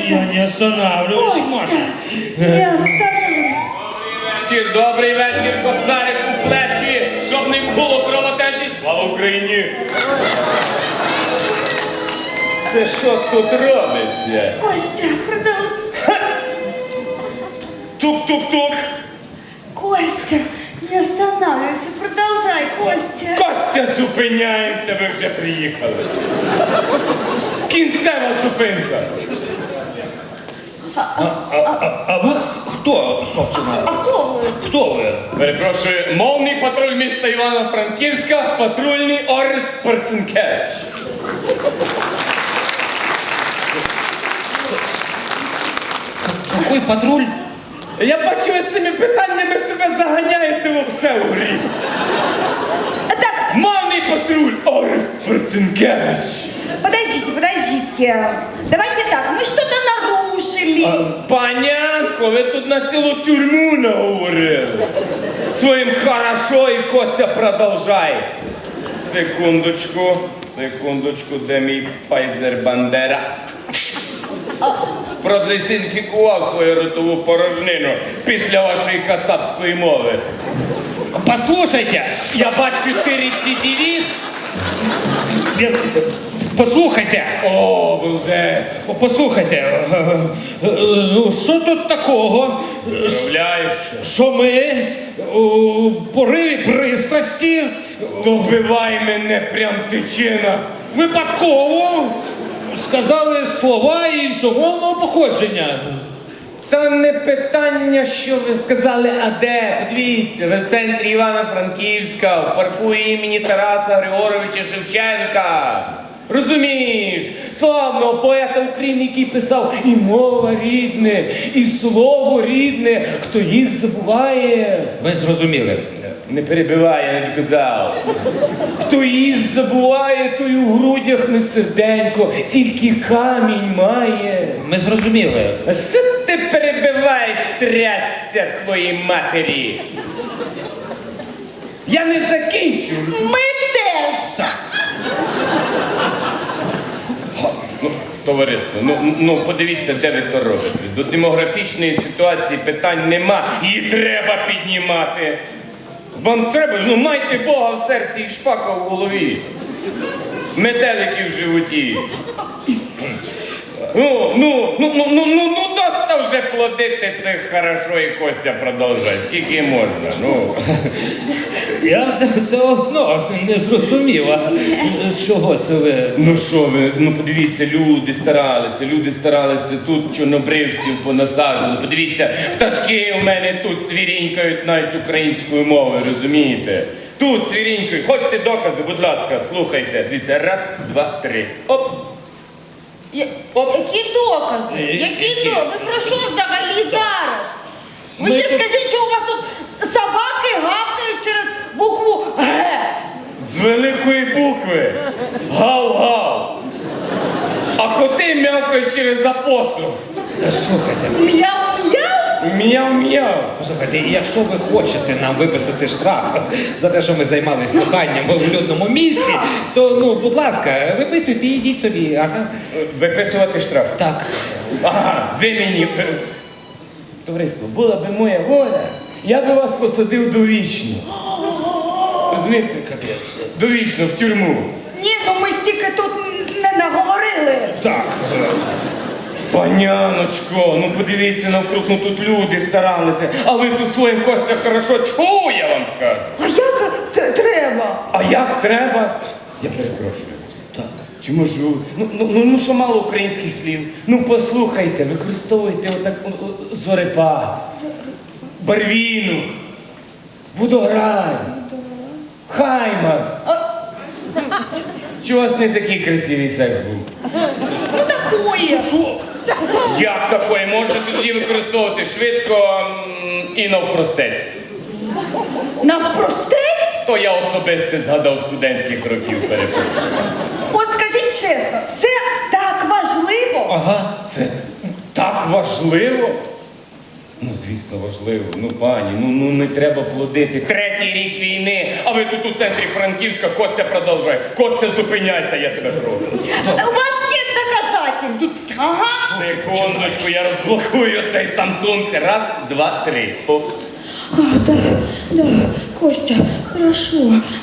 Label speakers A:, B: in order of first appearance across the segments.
A: Я не останавливаюсь, Маша.
B: Не остановлюсь.
C: Добрий вечір, кобзарик у плечі, щоб не було кровотечі. Слава Україні! Це що тут робиться?
B: Костя, продолжай.
C: Тук-тук-тук.
B: Костя, не останавливайся, продолжай, Костя.
C: Костя, зупиняємося, ви вже приїхали. Кінцева зупинка.
A: А вы кто, собственно?
B: А кто вы?
A: Кто вы?
C: Перепрошую, мовний патруль міста Івано-Франківська, патрульний Орест Перцинкевич.
A: Какой патруль?
C: Я бачу, ви цими питаннями себе заганяєте вовсе у гріх.
B: Так,
C: Мовний патруль Орест Перцинкевич.
B: подождите. Давайте так, мы что-то нарушили.
C: Панянко, ви тут на цілу тюрму наговорили. Своїм хорошо і Костя продовжай. Секундочку, де мій Pfizer Бандера? Продезінфікував свою ротову порожнину після вашої кацапської мови.
A: Послушайте,
C: Я бачу, ти рецидивіст.
A: послухайте,
C: О, балдець.
A: послухайте, ну що тут такого,
C: Уявляєшся?
A: що ми у пориві пристрасті
C: Добивай мене, прям тичина.
A: випадково сказали слова іншомовного походження.
C: Та не питання, що ви сказали, а де? Подивіться, ви в центрі Івано-Франківська, в парку імені Тараса Григоровича Шевченка. Розумієш, славного поета України, який писав і мова рідне, і слово рідне, хто їх забуває.
A: Ви зрозуміли.
C: Не перебивай, я не доказав. Хто їх забуває, той у грудях не серденько, тільки камінь має.
A: Ми зрозуміли.
C: А що ти перебиваєш, трясся твоїй матері? Я не закінчу.
B: Мы теж.
C: Ну, товариство, ну подивіться, де ви то робите. До демографічної ситуації питань нема. Її треба піднімати. Вам треба, ну майте Бога в серці і шпака в голові. Метелики в животі. Ну, доста вже плодити цих хорошо і Костя продовжує. Скільки можна, ну.
A: Я все одно не зрозуміла, чого це ви.
C: Ну що ви, ну подивіться, люди старалися, тут чорнобривців понасаджували. Подивіться, пташки у мене тут цвірінькають навіть українською мовою, розумієте? Тут цвірінькають. Хочете докази, будь ласка, слухайте. Дивіться, раз, два, три. Оп.
B: Які докази? Які докази? Ви про що взагалі зараз? Ви ще скажіть, що у вас тут собаки гавкають через букву Г.
C: З великої букви. Гав-гав. А коти м'явкають через апостроф.
A: Слухайте,
B: Мяу-мяу?
C: Мяу-мяу.
A: послухайте, якщо ви хочете нам виписати штраф за те, що ми займались коханням в людному місті, то, ну, будь ласка, виписуйте і йдіть собі. Ага.
C: Виписувати штраф.
A: Так.
C: Ага, ви мені... Товариство, була би моя воля, я би вас посадив довічно. Розумієте?
A: Капець.
C: Довічно, в тюрму.
B: Ні, ну ми стільки тут не наговорили.
A: Так.
C: Паняночко, ну подивіться навкруг, ну тут люди старалися, а ви тут своїм Костя хорошо чув, я вам скажу.
B: А як треба?
C: А як треба? Я перепрошую.
A: Так.
C: Чи можу? Ну що мало українських слів? Ну послухайте, використовуйте отак зорепад, барвінок, водограй, хаймарс. Чи у вас не такий красивий секс був?
B: Ну такое.
C: Як такої? Можете тоді використовувати швидко і навпростець.
B: Навпростець?
C: То я особисто згадав студентських років, перепрошую.
B: От скажіть чесно, це так важливо?
C: Ага, це так важливо. Ну, звісно, важливо. Ну, пані, ну не треба плодити. Третій рік війни, а ви тут у центрі Франківська, Костя продовжує. Костя, зупиняйся, я тебе прошу.
B: У вас нет доказательств. Ага.
C: Секундочку, я розблокую цей Samsung. Раз, два, три. О.
B: Да, Костя, хорошо.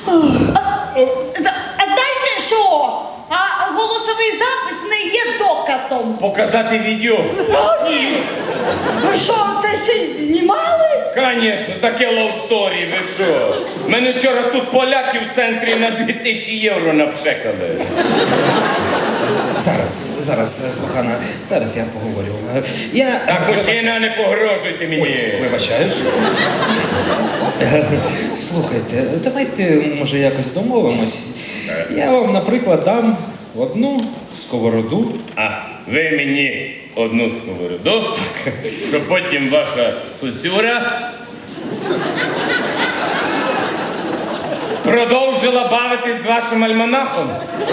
B: Знаєте що? А голосовий запис не є доказом.
C: Показати відео?
B: Ні. Ви що, це ще й знімали?
C: Звісно, таке ловсторі, ви що? Мене вчора тут поляки в центрі на 2000 євро напшекали.
A: Зараз, кохана, зараз я поговорю.
C: Так, мужчина, не погрожуйте мені.
A: Вибачаюсь. Слухайте, давайте, може, якось домовимось. Я вам, наприклад, дам одну сковороду.
C: А ви мені одну сковороду, щоб потім ваша сусюра продовжила бавитись з вашим альманахом.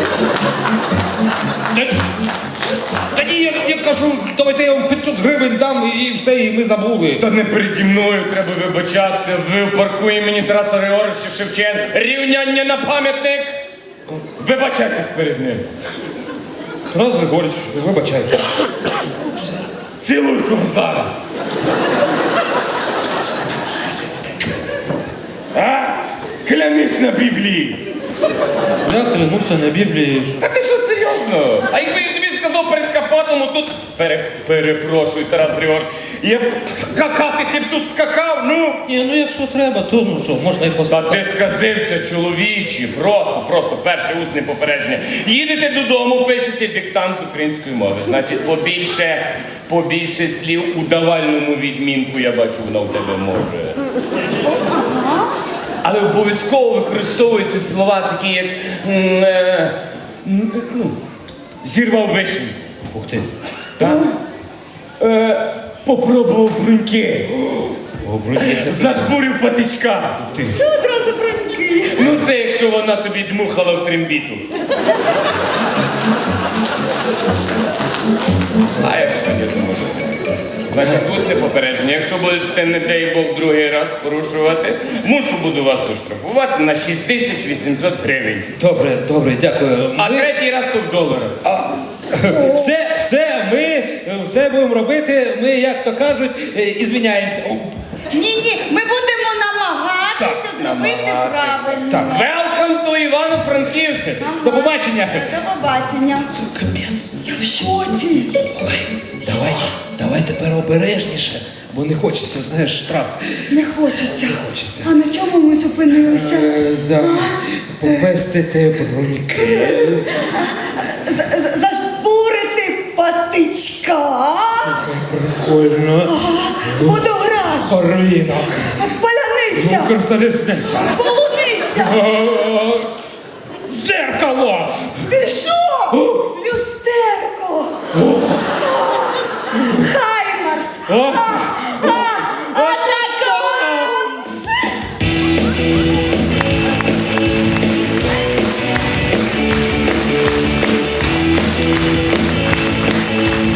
A: Та ні, я кажу, давайте я вам 500 гривень дам і все, і ми забули.
C: Та не переді мною треба вибачатися. Ви в парку імені Тараса Григоровича Шевченка. Рівняння на пам'ятник. Вибачайтесь перед ним.
A: Тарас Григорич, вибачайте.
C: Цілуй кобзара. А? Клянись на Біблії.
A: Я клянуся на Біблії, що...
C: Та ти що, серйозно? А якби я тобі сказав перед Капатом, тут... Перепрошую, Тарас Григорович, я б скакати, ти б тут скакав, ну?
A: Ні, ну якщо треба, то ну що, можна і
C: Та
A: поставити.
C: ти сказився, чоловічі, просто перше усне попередження. Їдете додому, пишете диктант з української мови. Значить, побільше слів у давальному відмінку, я бачу, вона в тебе може. Але обов'язково використовуйте слова такі, як зірвав вишеньку.
A: Ух ти.
C: Так? Попробував бруньки.
A: О, брудні, це...
C: Зажбурив патичка.
B: Що одразу броньки?
C: Ну це якщо вона тобі дмухала в трембіту. А якщо ні, то може. Значить, усне попередження. Якщо будете, не дай Бог, другий раз порушувати, буду вас оштрафувати на 6800 гривень.
A: Добре, дякую.
C: А третій раз то в доларах.
A: Ми все будемо робити, ми, як то кажуть, і звіняємося.
B: Ні, ми будемо намагатися зробити правильно.
A: Так.
C: Welcome to Івано-Франківськ!
A: До побачення.
B: До побачення.
A: Це капець.
B: Я в шоці.
A: Давай тепер обережніше, бо не хочеться, знаєш, штраф.
B: Не хочеться.
A: Хочеться.
B: А на чому ми зупинилися?
A: Попестити броньки.
B: Зажбурити патичка.
A: Прикольно.
B: Водограй.
A: Ринок.
B: Паляниця.
A: Укрзалізниця.
B: Полуниця.
A: Дзеркало.
B: Ти що? Люстерко. Хаймарс.